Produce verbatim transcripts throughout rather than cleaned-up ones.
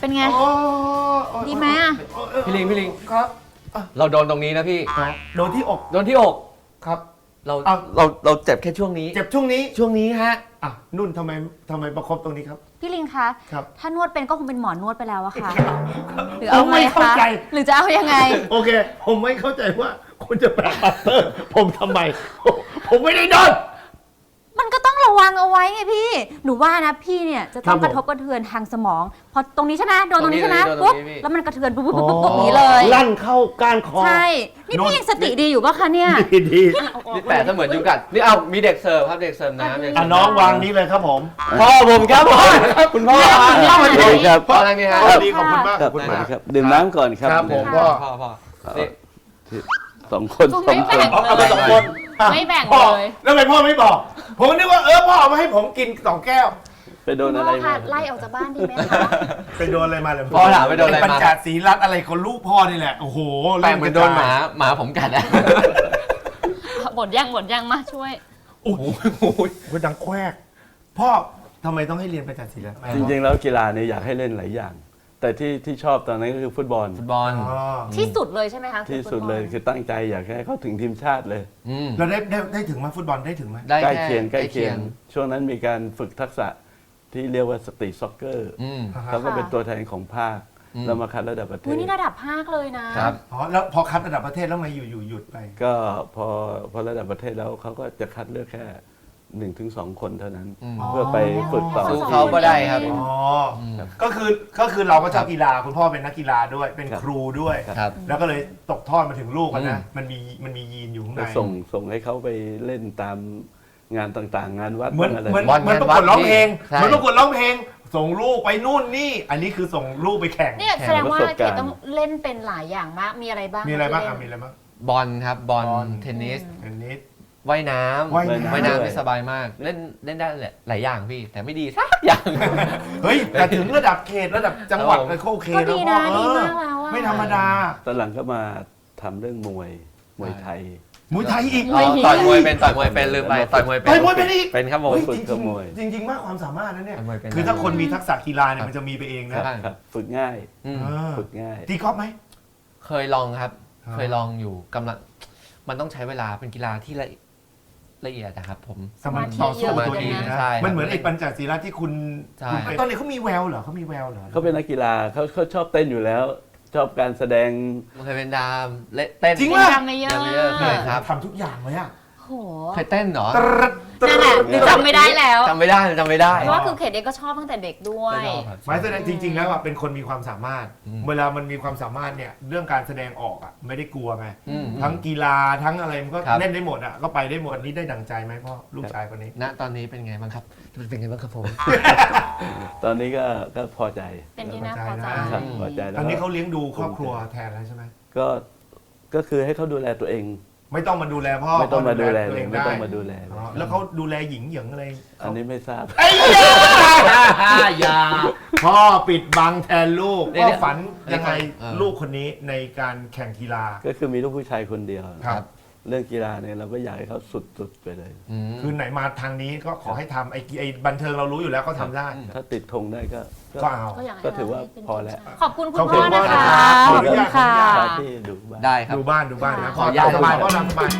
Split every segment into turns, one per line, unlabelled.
เป็นไงดีไหมอ่ะ
พี่ลิงพี่ลิง
ครับ
เราโดนตรงนี้นะพี่
โดนที่อก
โดนที่อก
ครับ
เราเราเราเจ็บแค่ช่วงนี้
เจ็บช่วงนี้
ช่วงนี้ฮะ
อ่ะนุ่นทำไมทำไมประคบตรงนี้ครับ
พี่ลิงคะ
ครับ
ถ้านวดเป็นก็คงเป็นหมอนวดไปแล้วอะค่ะหรือ
ผ
เอา
ม
ไง
ไม่เข้า
คะ
ใจ
หรือจะเอายังไง
โอเคผมไม่เข้าใจว่าคุณจะแปะปัตเตอร์ผมทำไมผมไม่ได้โดน
มันก็ต้องระวังเอาไว้ไงพี่หนูว่านะพี่เนี่ยจะต้องกระทบกระเทือนทางสมองพอตรงนี้ใช่ไหมโดนตรงนี้ใช่ไหมปุ๊บแล้วมันกระเทือนปุ๊บปุ๊บปุ๊บอย่างนี้เลย
ลั่นเข้าก้านคอ
ใช่นี่พี่ยังสติดีอยู่ปะคะเนี่ย
ดีดี
นี่แปะเสมือนยุงกัดนี่เอามีเด็กเสิร์ฟครับเด็กเสิร์ฟน้ำเด็กเสิ
อ่ะ
ร์ฟ
น้องวางนี้เลยครับผม
พ่อผมครับพ่อคุณพ่อ
พ่อ
ครับ
พ่ออะไรนี่ฮะ
สวัสดีขอบคุณมาก
ค
ข
รั
อ
บบ
คุณมาก
ครับดื่มน้ำก่อนครับ
ครับผม
พ่อพ่อพ่อนี่
สองคนสองคน
เอาเอาไปสองคน
ไม่แบ่ง
พ่อ
เลย
แล้วทำไมพ่อไม่บอก ผมนึกว่าเออพ่อเอามาให้ผมกินสองแก้ว
ไปโดนอะไร
พ่อ
มา
ค่ะไล่ออกจากบ้านดีไหมคะ
ไปโดนอะไรมาเลย
พ่อถามไปโดนอะไร
ปัญ
มา
จศีรัตน์อะไรคนลูกพ่อนี่แหละโอ้โห
แปะเหมือนโดนหมาหมาผมกัดอะ
หมดยังหมดยังมาช่วย
โอ้โหคุณดังแควกพ่อทำไมต้องให้เรียนปัญจศีรัตน์
จริงๆแล้วกีฬาเนี่ยอยากให้เล่นหลายอย่าง แต่ที่ที่ชอบตอนนั้นก็คือฟุตบอล
ฟุตบอล
อ๋อ
ที่สุดเลยใช่ไหมคะ
ที่สุดเลยคือตั้งใจอยากให้เขาถึงทีมชาติเลย
อืม
เราได้ได้ได้ถึงไหมาฟุตบอลได้ถึงไหม
ได้
ใกล้
แค่
เคียงใกล้เคียง ช่วงนั้นมีการฝึกทักษะที่เรียกว่าสตรีทซ็อกเกอร์
อืม
เขาก็เป็นตัวแทนของภาค
อืม
แล้วมาคัดระดับประเท
อุ้ย
ศ
นี่ระดับภาคเลยนะครับ
อ๋อแล้วพอคัดระดับประเทศแล้วมาอยู่อยู่หยุดไป
ก็พอพอระดับประเทศแล้วเขาก็จะคัดเลือกแค่หนึ่งถึงสองคนเท่านั้น
อืม
เพื่อไปฝึกต่อ
สู้เขาก็ได้ครับ
อ๋อ
ม
ก็คือก็คือเราก็ชอบกีฬาคุณพ่อเป็นนักกีฬาด้วยเป็น
ครับ
ครูด้วย
ครับ
แล้วก็เลยตกทอดมาถึงลูกอะนะ
อืม
มันมีมันมียีนอยู่ข้างใน
ก็ส่งส่งให้เขาไปเล่นตามงานต่างๆ งานวัด
เหมือน
อะไร
เหมือน
บอล
เหมือนประ
งานวั
ก
ด
วดร้องเพลง
ใช่
เหมือนประกวดร้องเพลง ส่งลูกไปนู่นนี่ อันนี้คือส่งลูกไปแข่ง
เนี่ยแสดงว่าเกดต้องเล่นเป็นหลายอย่างมากมีอะไรบ้าง
มีอะไรบ้าง
ที่
อ่ะ
เล่น
มีอะไรบ้าง
บอลครับบอล
บอล
เทนนิส
เทนนิส
ว่ายน้ำ
ว่ายน้ำ
ว่ายน้ำนี่สบายมาก เล่นเล่นได้หลายอย่างพี่ แต่ไม่ดีสักอย่าง
เฮ้ยแต่ถึงระดับเขตระดับจังหวัด
ครับผม
ก็โอเค
ก็
แล้ว
ดี
พ่อ
นะ
เอ
ดี
อ
มากแล้วอะ
ไม่ธรรมดา
ตอนหลังก็มาทำเรื่องมวยมวยไทย
มวยไทยอีก
มวย
ต่อยมวยเป็นต่อยมวยเป็นลืมไปต่อยมวยเป็น
ต่อยมวยเป็นอีก
เป็นครับผม
เฮ้ย
ฝึก
จริง
กับมวย
ๆจริงจริงๆมากความสามารถนะเนี่ย
ต่อยมวยเป็น
คือถ้าคนมีทักษะกีฬาเนี่ยมันจะมีไปเอง
ครั
นะ
บครับฝึกง่าย
อืม
เออ
ฝึกง่าย
ตีกอล์ฟไหม
เคยลองครับ
อ๋อ
เคยลองอยู่กำลังมันต้องใช้เวลาเป็นกีฬาที่ละละเอียดนะครับผม
สมาธิต่อสู้
สมา
ตัว
ธิ
เองนะ
ใช่
มันเหมือนไอ้ปัญจศีลาที่คุณ
ใช่
คุณตอนนี้เขามีแววเหรอเขามีแววเหรอ
เขาเป็นนักกีฬาเขาเขาชอบเต้นอยู่แล้ว ชอบการแสดง
มันเคยเป็นดามเล่นเต้น
จริง
เป็น
ปะ
ดัมเมเยอ
ดั
ร์
มเมเยอร์เคยครับ
ทำทุกอย่างเลยอ่ะ
โห
เคยเต้นเหรอ
นั่นแหละหรือจำไม่ได้แล้ว
จำไม่ได้จำไม่ได้
เพราะว่าคือเขตเองก็ชอบตั้งแต่เด็กด้วย
ชอบครับ
หมายแสดงจริง ๆ แล้วอ่ะเป็นคนมีความสามารถ
อืม
เวลามันมีความสามารถเนี่ยเรื่องการแสดงออกอ่ะไม่ได้กลัวไง
อืม
ทั้งกีฬาทั้งอะไรมันก็
ครับ
เล่นได้หมดอ่ะก็ไปได้หมดอันนี้ได้ดั่งใจไหมพ่อลูกชายคนนี้
ณตอนนี้เป็นไงบ้างครับเป็นไงบ้างครับผม
ตอนนี้ก็ก็พอใจ
เป็นที่น่าพอใจ
ครับพอใจแล้ว
ตอนนี้
ก็
เขาเลี้ยงดูครอบครัวแทนแล้วใช่ไหม
ก็ก็คือให้เขาดูแลตัวเอง
ไม่ต้องมาดูแลพ่อ
ไม่ต้องมาดูแล
ตัว
เล
เอย ง
ไม่
ได้
ต้องมาดูแลเล
อ๋อย แล้วเขาดูแลหญิงเหยิงอะไร
อันนี้ไม่ทราบ
ไอ้ยาพ่อปิดบังแทนลูก
เดี๋
พ่
ยว
อฝันยังไง
เออ
ลูกคนนี้ในการแข่งกีฬา
ก็คือมีลูกผู้ชายคนเดียว
ครับ
เรื่องกีฬาเนี่ยเราก็อยากให้เขาสุดๆไปเลย
อืม
คือไหนมาทางนี้ก็ขอให้ทำไอ้ไอ้บันเทิงเรารู้อยู่แล้วเขาทำได้
ถ้าติดธงได้ก็
ก็เอา
ก็อยากให้
ก็ถือว่า
ให้เป็น
พอแล้ว
ขอบคุณคุ
ข
ณ
อบ
พ่
คุ
อ
ณ
นะ
พ่อ
คะ
นะครับ
ขอบคุณค่ะ
ขอที่ดูบ้าง
ได้ครับ
ดูบ้านดูบ้านนะ
ค่ะ
พ่อ
ขออนุญาต
สบายพ่อทำสบาย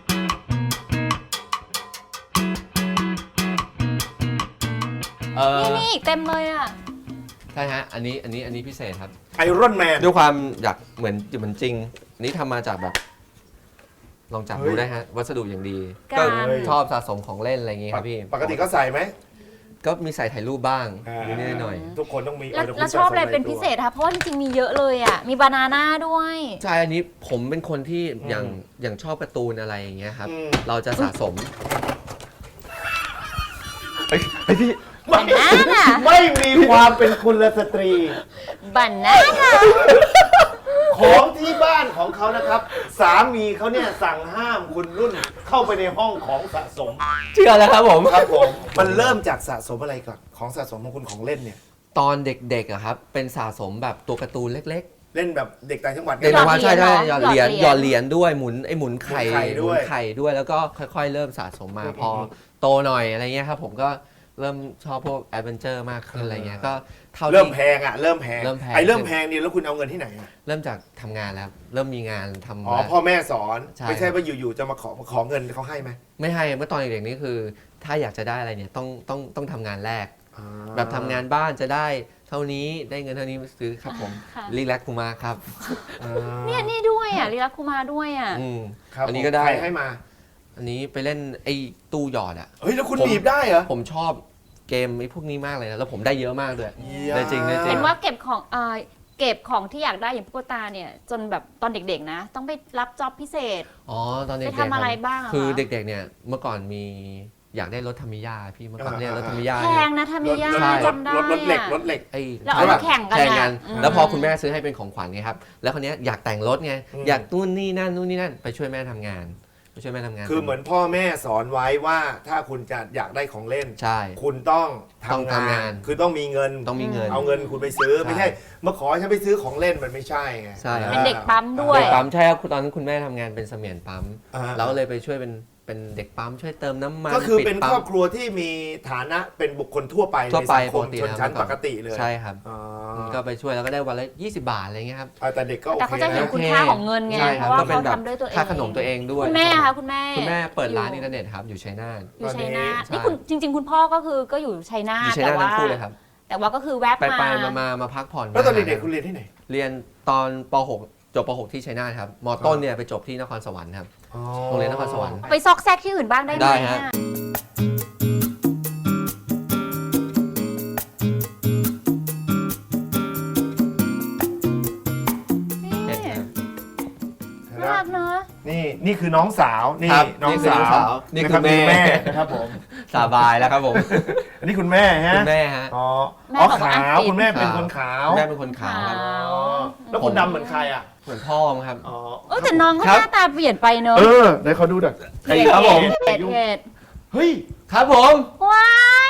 เออ
นี่นี่เต็มเลยอ่ะ
ใช่ฮะอันนี้อันนี้อันนี้พิเศษครับ
ไอรอนแมน
ด้วยความอยากเหมือนเหมือนจริง อันนี้ทำมาจากแบบ ลองจับ
เฮ้ย
ดูได้ฮะ วัสดุอย่างดี
การ
ก็ชอบสะสมของเล่นอะไรอย่างงี้ครับพี่
ปกติก็ใส่ไหม
ก็มีใส่ถ่ายรูปบ้าง
อ่า
นิดๆหน่อย
ทุกคนต้องมี
แล้ว
เดี๋ย
แล้ว
คุณ
ชอบอะไร
สะสม
เป็นพิเศษคะเพราะว่าจริงๆมีเยอะเลยอ่ะมีบานาน่าด้วย
ๆใช่อันนี้ผมเป็นคนที่อย่างอย่างชอบการ์ตูนอะไรอย่างเงี้ยครับ
อืม
เราจะสะสม
บานาน่า
ไม่มีความเป็นคุณสตรี
บานาน่า
ของที่บ้านของเขานะครับ สามีเขาเนี่ยสั่งห้ามคุณนุ่นเข้าไปในห้องของสะสม
เชื่อแล้วครับผม
ครับผมมันเริ่มจากสะสมอะไรก่อนของสะสมของคุณของเล่นเนี่ย
ตอนเด็กๆอะครับ เป็นสะสมแบบตัวการ์ตูนเล็ก
เล่นแบบเด็กต่างจังหวัด
ๆเด็กประมาณใช่ใช่หยอดเหรียญห
ห
ย
ย
อ
อ
ด
ด
เห
เหรี
รีย
ย
ญ
ญ
ด้วยหมุนไอหมุนไข่
หมุนไข่ด้วย
หมุนไข่ด้วยแล้วก็ค่อยๆ เริ่มสะสมมาพอโตหน่อยอะไรเงี้ยครับผมก็เริ่มชอบพวกแอดเวนเจอร์มากขึ้นอะไรเงี้ยก็เท่า
เริ่ม
ที่
แพงอ่ะเริ่มแพง
เริ่มแพง
ไอ้เริ่มแพงนี่แล้วคุณเอาเงินที่ไหนอ่ะ
เริ่มจากทำงานแล้ว เริ่มมีงานทำ
อ๋อ
มา
พ่อแม่สอน
ใช่
ไม่ใช่ว่าอยู่ๆจะมาขอมาขอเงินเขาให้ไหม
ไม่ให้เมื่อตอนเด็กๆนี่คือ ถ้าอยากจะได้อะไรเนี่ยต้องต้องต้องทำงานแรก
อ่า
แบบทำงานบ้านจะได้เท่านี้ได้เงินเท่านี้ซื้อครับผม
ค่ะ
รีแลกคูมาครับ
อ่า
เนี่ยนี่ด้วยอ่ะลีลาคุมาด้วยอ่ะ
อืม
ครับ
อันนี้ก็ได้
ใครให้มา
อันนี้ไปเล่นไอ้ตู้หยอดอ่ะ
เฮ้ยแล้วคุณ
ผม
หนีบได้เหรอ
ผมชอบเกมไอ้พวกนี้มากเลยนะแล้วผมได้เยอะมากด้วย
เยี่ยม
ได้จริงได้จริ
เห็
ง
นว่าเก็บของเอ่อเก็บของที่อยากได้อย่างตุ๊กตาเนี่ยจนแบบตอนเด็กๆนะ ต้องไปรับจ็อบพิเศษ
อ๋อตอนเด็ก
ไป
ๆ
ทำอะไรบ้างอะ
คือ
คะ
เด็กๆเนี่ยเมื่อก่อนมีอยากได้รถทามิยาพี่เมื่อก่อนเนี่ยรถทามิยา
แพงนะทามิยา
ถ
จำได้
รถรถเหล็ก
อะ
รถเหล็ก
ไอ้
แล้วเอามาแข่งกัน
แข่งกัน
อะอืม
แล้วพอคุณแม่ซื้อให้เป็นของขวัญไงครับแล้วคนนี้ยอยากแต่งรถไง
อืม
อยากนู่นนี่นั่นนู่นนี่นั่นไปช่วยแม่ทำงานไปช่วยแม่ทำงาน
คือเหมือนพ่อแม่สอนไว้ว่าถ้าคุณจะอยากได้ของเล่น
ใช่
คุณต้อง
ต้อง
ทำ
ทำ
งาง
าน น
คือต้องมีเงิน
ต้องมีเงิน
เอาเงินคุณไปซื้อ
ใช่
ไม่ใช่มาขอให้ฉันไปซื้อของเล่นมันไม่ใช่ไง
ใช่ครับ
เป็นเด็กปั๊มด้วย
เด็กปั๊มใช่ครับตอนนั้นคุณแม่ทำงานเป็นเสมียนปั๊ม
อ่า
เราก็เลยไปช่วยเป็นเป็นเด็กปั๊มช่วยเติมน้ำมัน
ก็คือ
ปิด
เป็น
ปั๊
คร
ม
อบครัวที่มีฐานะเป็นบุคคลทั่วไป
ทั่ว
ใน
ไป
สังคม
ปกติ
ชนชั้น
แล้ว
ปกติเลย
ใช่ครับ
อ๋อ
ก็ไปช่วยแล้วก็ได้วันละยี่สิบบาทอะไรเงี้ยครับ
อ่าแต่เด็กก็โอ
แต่
เค
เขาจะเห็น
นะ
คุณค่าของเงินไง
ใช่
เพ
ครับ
ราะว่า
ก็เป็
เขา
นแบบ
ทำด้วยตัวเอง
ค่าขนมตัวเองด้วย
คุณแม่คะคุณแม่
คุณแม่เปิดร้าน
อยู่
อินเทอร์เน็ตครับอยู่ชัยนาท
อยู่ชัยนาท
ใช่
นี่คุณจริง ๆ คุณพ่อก็คือก็อยู่ชัยนา
อยู่
ท
ชัย
แต่
นาท
ว่า
ทั้งคู่เลยครับ
แต่ว่าก็คือแวบ
ไป
มา
ไปมามามาพักผ่อน
แล้วตอนเด็กๆคุณเรียนที่ไหน
เรียนตอนป .หก จบป .หก ที่ชัยนาทครับมต้นเนี่ยไปจบที่นครสวรรค์ครับ โรงเรียนนครสวรรค์
ไปซอกแซกที่อื่นบ้างได้ไหม
ได้ฮะ
อะ
เห็นครับ
น่ารักเนอะ
นี่นี่คือน้องสาวนี่
ครับ
น้อง
นี่คือ
สา
น้อง
ว
สาวนี่คือ
นะรับ
แม่
แม่นะครับผม
สบายแล้วครับผม
อันนี้คุณแม่ฮะ
คุณแม่ฮะ
อ๋อ
แม่
อ๋อ
บอกว่า
ขาว
อังกฤษ
คุณแม่เป็นคนขาว
แม่เป็นคนขาวครับ
ขาว
อ๋อแล้วคุณดำเหมือนใครอ่ะ
เหมือนพ่อมั้งครับ
อ๋อ
เออแต่น้องก็
ครับ
หน้าตาเปลี่ยนไปเนอะ
เออเดี๋ยวเขาดูหน่อย
เห็ด
ครับผม
เห็ดเห็ด
เฮ้ย
ครับผม
ว้าย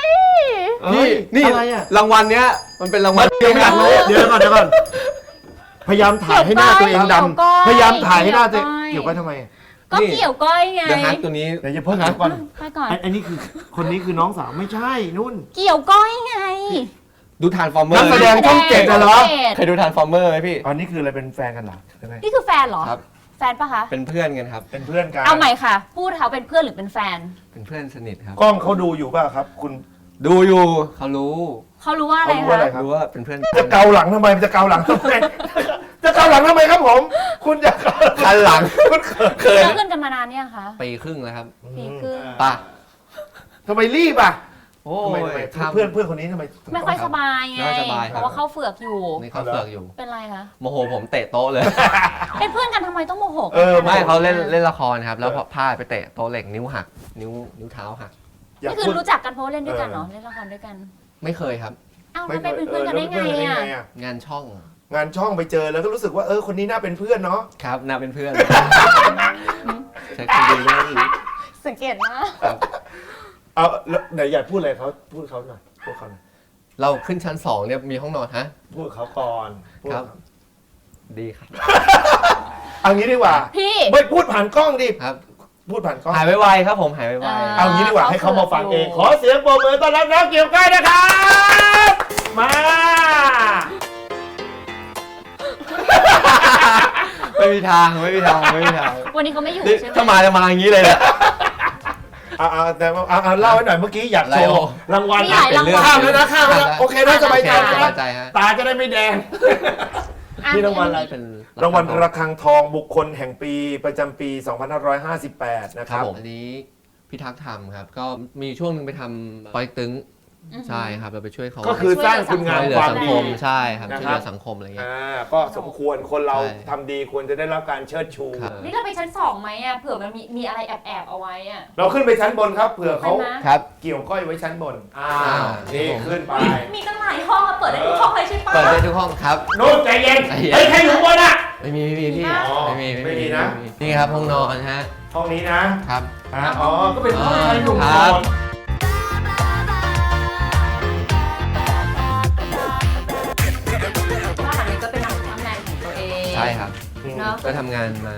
นี่นี่
อะไรอ่ะ
รางวัลเนี้ยมันเป็นรางวัล
เดี๋ยวก่อนเดี๋ยวก่อนเดี๋ยวก่อนพยายามถ่ายให้หน้าตัวเองดำพยายามถ่ายให้หน้าตัวเองเกี่ยวกับทำไม
ก็เกี่ยวก้อยไง
เดี๋ยวฮักตัวนี้
เดี๋ยวจะเพิ่งหาก่อน
ไปก่อน
อันอันนี้คือคนนี้คือน้องสาวไม่ใช่นุ่น
เกี่ยวก้อยไง
ดูทานฟอร์เมอ
นัก
ร์
แสดงช่องเจ็ดน่ะเหรอ
เคยดูทานฟอร์เมอร์ไหมพี่
อันนี้คืออะไรเป็นแฟนกันเหรอใช่ไหม
นี่คือแฟนเหรอ
ครับ
แฟนปะคะ
เป็นเพื่อนกันครับ
เป็นเพื่อนกัน
เอาใหม่ค่ะ พูดเขาเป็นเพื่อนหรือเป็นแฟน
เป็นเพื่อนสนิทครับ
กล้องเขาดูอยู่เปล่ะครับ คุณ
ดูอยู่เขารู้
เขารู้ว่าอะไร
เขารู้ว่าอะไร
คะ
รู้ว่าเป็นเพื่อน
จะเกาหลังทำไมมันจะเกาหลังทำไมจะเกาหลังทำไมครับผม คุณจะเกา
คันหลัง
คุณเขิน
เคย
เราเพื่อนกันมานานเนี่ยงคะ
ปีครึ่งแล้วครับ
ปีครึ่ง
ป่ะ
ทำไมรีบอ่ะ
โอ้
ทำไม
ย
ทำไม
ครับ
เพื่อนเพื่อนคนนี้ทำไม
ไม่ค่อยสบายไง
ไม่ค่อยสบายครับ
เพราะว่าเข้าเฝือกอยู่
นี่เขาเฟือกอยู่
เป็นไรคะ
โมโหผมเตะโต๊ะเลย
เป็นเพื่อนกันทำไมต้องโมโหกัน
เออ
ไม่เขาเล่นเล่นละครครับ แล้วพอพลาดไปเตะโต๊ะเหล็กนิ้วหัก นิ้วนิ้วเท้าหัก
อยาก
นี่คือ
พูด
รู้จักกันเพราะว่าเล่นด้วยกันเหรอ
เออ
เล่นละครด้วยกัน
ไม่เคยครับ
อ้าวแล้วไปเป็นเพื่อนกันได้ไง
เออแล้วเป็นเพื่อนกัน
อ่ะ
ได้อะ
งานช่อง
งานช่องไปเจอแล้วก็รู้สึกว่าเออคนนี้น่าเป็นเพื่อนเนาะ
ครับน่าเป็นเพื่อนเช็คดีๆเลย
สังเกตนะ
เอาแล้วไหนอยากพูดอะไรเขาพูดเขาหน่อยพูดเขาหน่อย
เราขึ้นชั้นสองเนี่ยมีห้องนอนฮะ
พูดเขาก่อนพูด
ครับ
เขา
ดีครับ
เอางี้ดีกว่า
พี่
ไม่พูดผ่านกล้องดิ
ครับ
พูดผ่านกล้อง
หายไวๆครับผมหายไว
อ่า
เอางี้ดีกว่าให้เขามาฟังเอง ข
เขา
อ
เผื่ออยู่
เสียงปรบมือต้อนรับน้องเกี่ยวก้อยนะครับ มา
ๆไม่มีทางไม่มีทางไม่มีทาง
วันนี้เขาไม่อยู่
นี่
ใช่ไหม
ถ้ามาจะมาอย่างนี้เลยเนี่ย
เอาเอาแต่เอาเอาเล่าให้หน่อยเมื่อกี้อยากโช
อะไร
ว์
โอ้
รางวัล
มีหลายรางวัล
ข้ามแล้วนะข้ามแล้วนะโอเคนะสบายใจ
ส
นะ
บายใจฮะ
ตาจะได้ไม่แดง
อ่ะ
นี่รางวัลอะไร
เป็น
รางวัลระฆังทองบุคคลแห่งปีประจำปี สองพันห้าร้อยห้าสิบแปด นะค
ครั
รั
บบ ผมอันนี้พิทักษ์ธรรมครับ ก็มีช่วงหนึงไปทำปอยตึง
อือหือ
ใช่ครับเราไปช่วยเขา
ก็คือสร้างคุณงาม
ช่วยเหลื
ค
อ
วาม
สัง
ดี
คมใช่ครับ
นะครับ
ช่วยเหลือสังคมอะไรเงี้ย
อ่าก็สมควรคนเรา
ใช่
ทำดีควรจะได้รับการเชิดชู
ครับ
นี่เราไปชั้นสองไหมอ่ะเผื่อมันมีมีอะไรแอบแอบๆเอาไว้อ่ะ
เราขึ้นไปชั้นบนครับเผื่อเขา
ไปไหม
ครับ
เกี่ยวก้อยไว้ชั้นบนอ่า
อ่า
นี่
ครับผม
ขึ้นไป
มีตั้งหลายห้องอะเปิดได้ทุกห้องเลยใช่ปะ
เปิดได้ทุกห้องครับ
นู่นใจเย็น
ใจเย็น
เฮ้ยใครอยู่บนอ่ะ
ไม่มีไม่มีพี่
อ๋อ
ไม่มี
ไม่มีนะ
นี่ครับห้องนอนฮะ
ห้องนี้นะครับ อ่าอ๋อก็เป็นห้องชายหนุ่ม
ค
น
รั
อบ น
บ้านหลังนี้ก็เป็นตำแหน่งของตัวเอง
ใช่ครับ
เนาะ
ก็ทำงานมา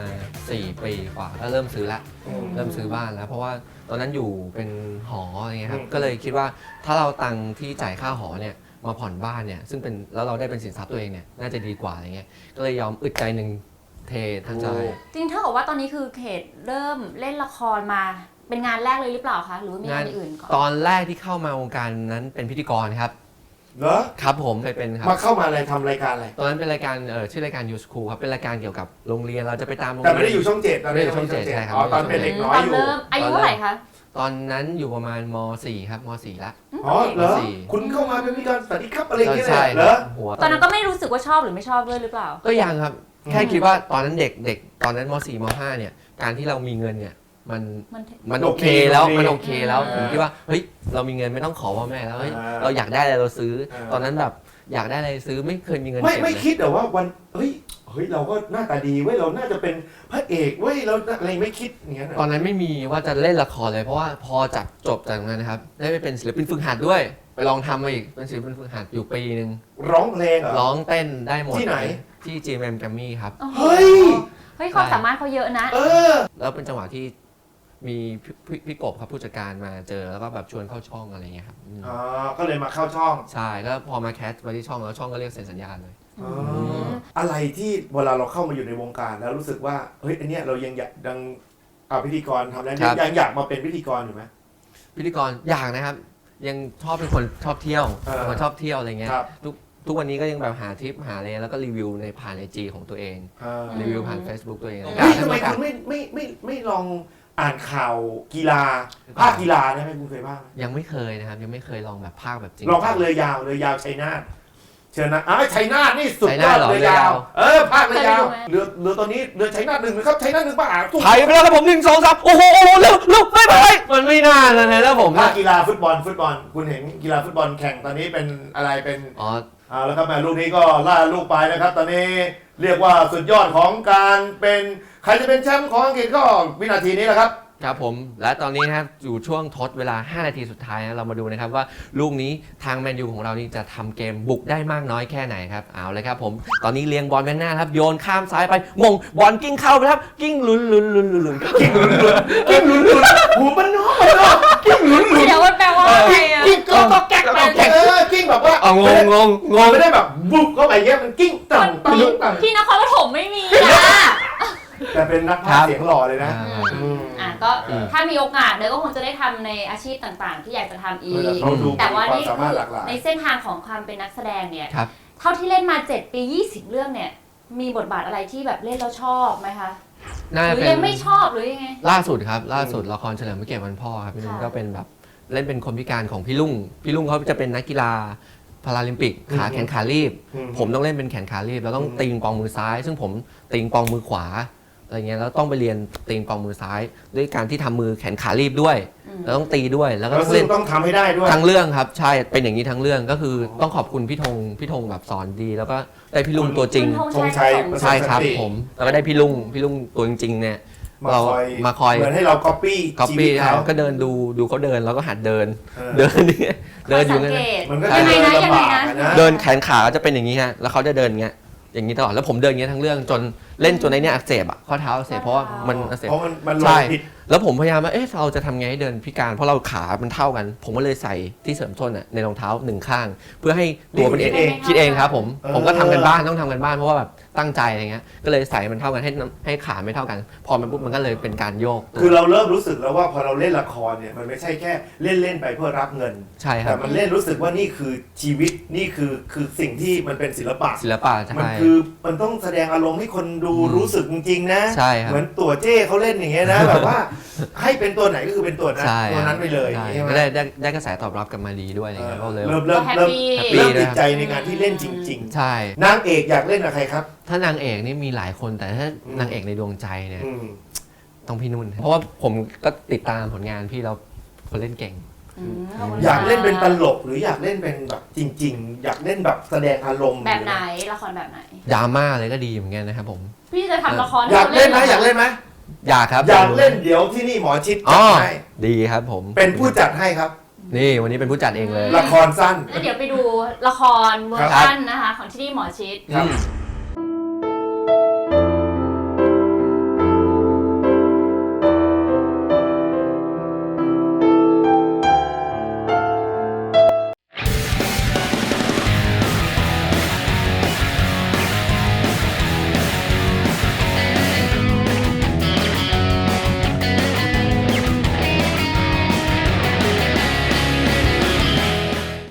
สี่ปีกว่าก็เริ่มซื้อละ
อืม
เริ่มซื้อบ้านแล้ว เพราะว่าตอนนั้นอยู่เป็นหออะไรเงี้ยครับ
อืม
ก็เลยคิดว่าถ้าเราตังค์ที่จ่ายค่าหอเนี่ยมาผ่อนบ้านเนี่ยซึ่งเป็นแล้วเราได้เป็นสินทรัพย์ตัวเองเนี่ยน่าจะดีกว่าอะไรเงี้ยก็เลยยอมอึดใจหนึ่งเททั้งใจ
จริงเท่ากับว่าตอนนี้คือเขตเริ่มเล่นละครมาเป็นงานแรกเลยหรือเปล่าคะหรือว่ามีงานอื่นก่อน
ตอนแรกที่เข้ามาวงการนั้นเป็นพิธีกรครับ
เหรอ
ครับผมเคยเป็นครับ
มาเข้ามาอะไรทำรายการอะไร
ตอนนั้นเป็นรายการเอ่อชื่อรายการ You School ครับเป็นรายการเกี่ยวกับโรงเรียนเราจะไปตามโรง
แต่
เรี
ไม่ได้อยู่ช่องเจ็ดตอน
ไม่ได้อยู่ช่องเจ็ดใช่ครับ
อ๋อตอนเป็นเด็กน้อย
ตอน
อยู่
เริ่มอายุเท่าไหร่คะ
ตอนนั้นอยู่ประมาณม สี่ ครับม สี่ ละ
อ๋อเหรอ
สี่
คุณเข้ามาเป็นพิธีกรสวัสดีครับอะไรอย่างเงี้ย
ใช่
เหรอ
หัว
ตอนนั้นก็ไม่รู้สึกว่าชอบหรือไม่ชอบด้วยหรือเปล่า
ก็ยังครับ
อืม
แค่คิดว่าตอนนั้นเด็กเด็กตอนนั้นม สี่ ม ห้า เนี่ยการที่เรามีเงินเนี่ยมัน
มัน
มันโอเคแล้ว
โอเค
มันโอเคแล้ว
อ่า
ผมคิดว่าเฮ้ยเรามีเงินไม่ต้องขอพ่อแม่แล้วเฮ้ย
อ่า
เราอยากได้อะไรเราซื้อ
อ่า
ตอนนั้นแบบอยากได้อะไรซื้อไม่เคยมีเงิน
ไม่
เก็บ
ไม่
เลย
คิดแต่ว่าวันเฮ้ยเฮ้ยเราก็หน้าตาดีเว้ยเราน่าจะเป็นพระเอกเว้ยเราอะไรไม่คิดอย่างเงี้ย
ตอนนั้นไม่มีว่าจะเล่นละครเลยเพราะว่าพอจับจบจากนั้นนะครับได้ไปเป็นศิลปินฝึกหัดด้วย ไปลองทำมาอีกเป็นศิลปินฝึกหัดอยู่ปีหนึ่ง
ร้องเพลงเหรอ
ร้องเต้นได้หมด
ที่ไหน
ที่ จี เอ็ม เอ็ม Grammy ครับ
โอ้โห
เฮ้ย
เฮ้ยความสามารถเขาเยอะนะ
เออ
แล้วเป็นจังหวะที่มีพี่พี่พี่กบครับผู้จัดการมาเจอแล้วก็แบบชวนเข้าช่องอะไรเงี้ยครับอืม
อ๋อก็เลยมาเข้าช่อง
ใช่ก็พอมาแคสมาที่ช่องแล้วช่องก็เรียกเซ็นสัญญาเลย
อ๋ออะไรที่เวลาเราเข้ามาอยู่ในวงการแล้วรู้สึกว่าเฮ้ยอันเนี้ยเรายังอยากดังอ่าพิธีกรทำแล้ว
ครับ
ยังอยากมาเป็นพิธีกรอยู่ไหม
พิธีกรอยากนะครับ ยังชอบเป็นคนชอบเที่ยว
เออ
เป็นคนชอบเที่ยวอะไรเงี้ย
ครับ
ทุกทุกวันนี้ก็ยังแบบหาทริปหาอะไรแล้วก็รีวิวในผ่านไอจีของตัวเอง
อ่า
รีวิวผ่าน Facebook ตัวเองอะไร
เฮ้ย
เงี้ย
ทำไม
ให้
คุณไม่ไม่ไม่ไม่ลองอ่านข่าวกีฬาภาคกีฬาได้ไหมคุณเคยบ้างไหม
ยังไม่เคยนะครับ ยังไม่เคยลองแบบภาคแบบจริง
ลองภาคเรือยาวเรือยาวชัยนาทเชิญนะอ้าวชัยนาทนี่สุด
ชัย
ย
นา
อ
ท
ด
เหรอ
เรือยาว
เรือยาว
เออภาคเรือยาว
เคยดูไหม
เรือเรือตอนนี้เรือชัยนาทหนึ่งนะครับชัยนาทหนึ่งป่ะทุก
ไทยไปแล้วครับผมหนึ่งสองสามโอ้โหโอ้โหเร็วเร็วไม่ไปมันไม่น่าเลยนะแล้วผม
ภา
นะ
คกีฬาฟุตบอลฟุตบอลคุณเห็นกีฬาฟุตบอลแข่งตอนนี้เป็นอะไรเป็น
อ๋อ
อ่าแล้วครับแม่ลูกนี้ก็ล่าลูกไปนะครับ ตอนนี้เรียกว่าสุดยอดของการเป็นใครจะเป็นแชมป์ของอังกฤษก็วินาทีนี้แหละครับ
ครับผมและตอนนี้นะครับอยู่ช่วงทดเวลาห้านาทีสุดท้ายนะเรามาดูนะครับว่าลูกนี้ทางแมนยูของเรานี่จะทำเกมบุกได้มากน้อยแค่ไหนครับเอาเลยครับผมตอนนี้เลี้ยงบอลไปข้างหน้าครับโยนข้ามซ้ายไปมงบอลกิ้งเข้าไปครับกิ้งลุนลุนลุนลุนลุนกิ้งลุนลุน
กิ้งหลุนหลุนหูมันน้อยมันน้อยกิ้งหลุนหลุน
เดี๋ยวมันแปลว่าอะไรอ่ะ
กิ้งก็ก็แก๊กไปเออกิ้งแบบว่า
อ๋องงงงงง
ไม่ได้แบบบุกเข้าไปเงี้ยมันกิ้งต่ำต่ำต่ำ
ที่นครปฐมไม่มีอ่ะ
แต่เป็นนักพากย์เสียงหล่อเลยนะ
อ่า
อืม
อ่ะก็
อืม
ถ้ามีโอกาสเนยก็คงจะได้ทำในอาชีพต่างๆ ที่อยากจะทำอี
เอก อเขาดู
แต่ว่า
ความ
นี่
สามารถหลากหลาย
ในเส้นทางของความเป็นนักแสดงเนี่ย
ครับ
เท่าที่เล่นมาเจ็ดปียี่สิบเรื่องเนี่ย มีบทบาทอะไรที่แบบเล่นแล้วชอบไหมคะ
น่า
ห
จะ
รือ
เป็น
ยังไม่ชอบหรือยังไง
ล่าสุดครับล่าสุดละครเฉลิมพระเกียรติวันพ่อครับพี่นุ่น
ค่ะ
ก็เป็นแบบเล่นเป็นคนพิการของพี่ลุงพี่ลุงเขาจะเป็นนักกีฬาพาราลิมปิกขาแขนขารีบ
อืม
ผมต้องเล่นเป็นแขนขารีบแล้วต้อง
อืม
ตีงปองมือซ้าย ซึ่งผมตีงปองมือขวาอะไรเงี้ยแล้วต้องไปเรียนตีงปองมือซ้าย ด้วยการที่ทำมือแขนขารีบด้วย
อืม
แล้วต้องตีด้วยแล้วก็
แล้วซึ่
เล่
ง
น
ต้องทำให้ได้ด้วย
ทั้งเรื่องครับใช่เป็นอย่างนี้ทั้งเรื่องก็คือต้องขอบคุณพี่ธงพี่ธงแบบสอนดี แล้วก็ได้พี่ลุงตัวจริง
คุณ
ธงชัย
ประสงค์
ใช่ครับ
สันติ
ผมแล้วก็ได้พี่ลุงพี่ลุงตัวจริงๆเนี่ย
มา
เรา
คอย
มาคอย
เหมือนให้เราก๊อปปี้
ก๊อป
ชีวิ
ปี้
ตเขา
ก็เดินดูดูเขาเดินแล้วก็หัดเดิน
เออ
เดินนี่เดินอยู่
สั
งั้
ง
น
เก
นะ
ต
มันก็
ยังไงนะ
เดิน
ยังไง
ลำบาก
นะ
อะนะ
เดินแขนขาจะเป็นอย่างนี้ฮะแล้วเขาจะเดินอย่างเงี้ยอย่างนี้ตลอดแล้วผมเดินอย่างเงี้ยทั้งเรื่องจนเล่นจนในเนี้ยอักเสบอ่ะข้อเท้าอักเสบเพราะว่ามันอักเสบ
เพราะมันมันล
ใช่
งผิด
แล้วผมพยายามว่าเอ๊ะเราจะทำไงให้เดินพิการเพราะเราขา มันเท่ากัน ผมก็เลยใส่ที่เสริมส้นอ่ะในรองเท้าหนึ่งข้าง เพื่อให้ตัวมันเอง
นี่คิดเอง
คิดเองครับผม
เออ
ผมก็ทำกันบ้านต้องทำกันบ้านเพราะว่าแบบตั้งใจอะไรเงี้ยก็เลยใส่มันเท่ากันให้น้ำให้ขาไม่เท่ากัน พอมันปุ๊บมันก็เลยเป็นการโยกตัว
คือเราเริ่มรู้สึกแล้วว่าพอเราเล่นละครเนี่ยมันไม่ใช่แค่เล่นเล่นๆไปเพื่อรับเงิน
ใช่ครั
แต่
บ
มันเล่นรู้สึกว่านี่คือชีวิตนี่คือคือสิ่งที่มันเป็นศิลปะ
ศิลปะใช่
มันคือมันต้องแสดงอารมณ์ให้คนดู
อืม
รู้สึกจริงๆนะ
ใช่ครับ
เหมือนตัวเจ้เขาเล่นอย่างเงี้ยนะ แบบว่าให้เป็นตัวไหนก็คือเป็นตัวนั้น
ใช่
ตัวนั้นไปเลย
ใช่
ใช่ไหม
ก็ได้ได้ได้กระแสตอบรับกลับมาดีด้วยอะไรเงี้ยก็เลย
เริ่มเริ่ม
ก็แฮป
เริ่ม
ปี้
แฮปปี้
เริ่ม
ด้วย
ติดใจในการที่เล่นจริง
ใช่
ๆ นางเอกอยากเล่นกับใครครับ
ถ้านางเอกนี่มีหลายคนแต่ถ้า
อืม
นางเอกในดวงใจเนี่ย
อืม
ต้องพี่นุ่น เพราะว่าผมก็ติดตามผลงานพี่เราคนเล่นเก่ง
อืมขบคุณ
อยากเล่นเป็นต
ค่ะ
ลกหรืออยากเล่นเป็นแบบจริง ๆ อยากเล่นแบบแสดงอารมณ์
แบบไหนละครแบบไหน
ดราม่าเลยก็ดีเหมือนกันนะครับผม
พี่จะทำละคร
อยากเล่นไหมอยากเล่นไหม
อยากครับ
อยากเล่นเดี๋ยวที่นี่หมอชิด
อ๋
จั
อ
ดให้
ดีครับผม
เป็นผู้จัดให้ครับ
นี่วันนี้เป็นผู้จัดเองเลย
ละครสั้น
แล้วเดี๋ยวไปดูละครเวอร์ชันนะคะ ของที่นี่หมอชิด
ครับ
อืม